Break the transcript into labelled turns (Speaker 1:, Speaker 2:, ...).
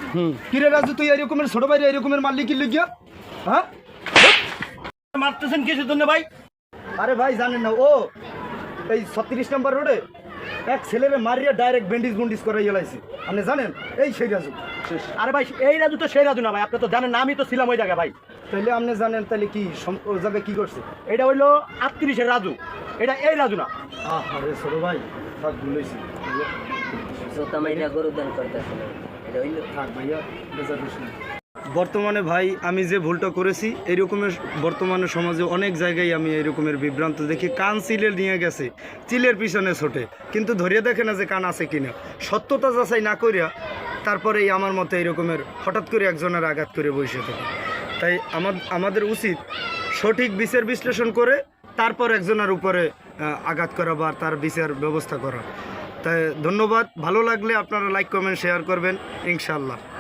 Speaker 1: কিরে রাজু, তুই এরকমের ছোট ভাই এরকমের মারলি কি লিখিয়া? হ্যাঁ,
Speaker 2: মারতেছেন কিসের জন্য ভাই?
Speaker 1: আরে ভাই জানেন না, ও এই 36 নম্বর রোডে এক ছেলেরে মারিয়া ডাইরেক্ট ব্যান্ডিজ গুন্ডিজ করে গেলাইছি। আপনি জানেন এই সেই রাজু?
Speaker 2: আরে ভাই এই রাজু তো সেই রাজু না ভাই, আপনি তো জানেন না, আমি তো ছিলাম ওই জায়গায় ভাই।
Speaker 1: তাইলে আপনি জানেন, তাহলে কি ওই জায়গায় কি করছে?
Speaker 2: এটা হইলো 38-এর রাজু, এটা এই রাজু না।
Speaker 1: আরে ছোট ভাই থাক, ভুলেছি। থাক ভাইয়া, বেজার হোস না। বর্তমানে ভাই আমি যে ভুলটা করেছি, এরকমের বর্তমানে সমাজে অনেক জায়গায় আমি এরকমের বিভ্রান্ত দেখি। কান চিলে নিয়ে গেছে, চিলের পিছনে ছোটে, কিন্তু ধরিয়ে দেখে না যে কান আছে কিনা। সত্যতা যাচাই না করিয়া তারপরেই আমার মতে এরকমের হঠাৎ করে একজনের আঘাত করে বসে থাকে। তাই আমাদের উচিত সঠিক বিচার বিশ্লেষণ করে তারপর একজনের উপরে আঘাত করা বা তার বিচার ব্যবস্থা করা। তাই ধন্যবাদ। ভালো লাগলে আপনারা লাইক কমেন্ট শেয়ার করবেন ইনশাআল্লাহ।